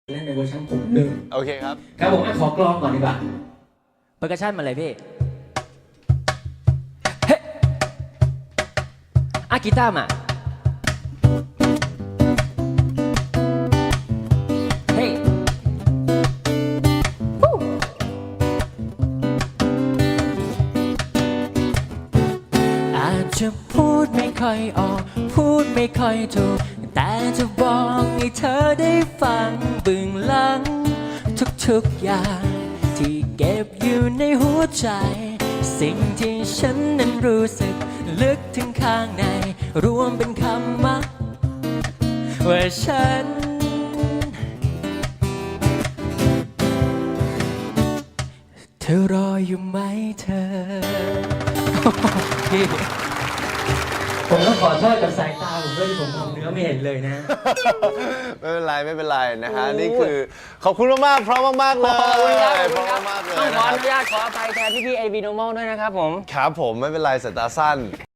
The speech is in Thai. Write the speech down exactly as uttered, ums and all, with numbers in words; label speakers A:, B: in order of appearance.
A: เล่นในเวอร์ชันผมหนึ่ง
B: โอเคครับ
A: ครับผมอ่ะขอกลองก่อนดีกว่า
C: เปอร์คัชชั่นมาเลยพี่ เฮ้อะกีตาร์มา เฮ้วู้อาจจะพูดไม่ค่อยออก พูดไม่ค่อยถูก แต่จะบอกให้เธอได้ฟังเบื้องหลังทุกๆอย่างที่เก็บอยู่ในหัวใจ สิ่งที่ฉันนั้นรู้สึกลึกถึงข้างใน รวมเป็นคำว่าว่าฉัน เธอรออยู่ไหมเธอ พี่ผมต้องขอโทษกับสายตาผมด้วยที่ผมมองเนื้อไม่เห็นเลยนะ
B: ไม่เป็นไรไม่เป็นไรนะฮะนี่คือขอบคุณมากๆเพราะมากๆเลย
C: ขอบคุณครับ
B: เพราะมากๆเลย
C: ต้อง
B: นะ
C: ขอ
B: ค
C: อ
B: รับ
C: นุญาตขออภัยแทนพี่ๆ เอ วี Normal ด้วยนะครับผม
B: ครับผมไม่เป็นไรสายตาสั้น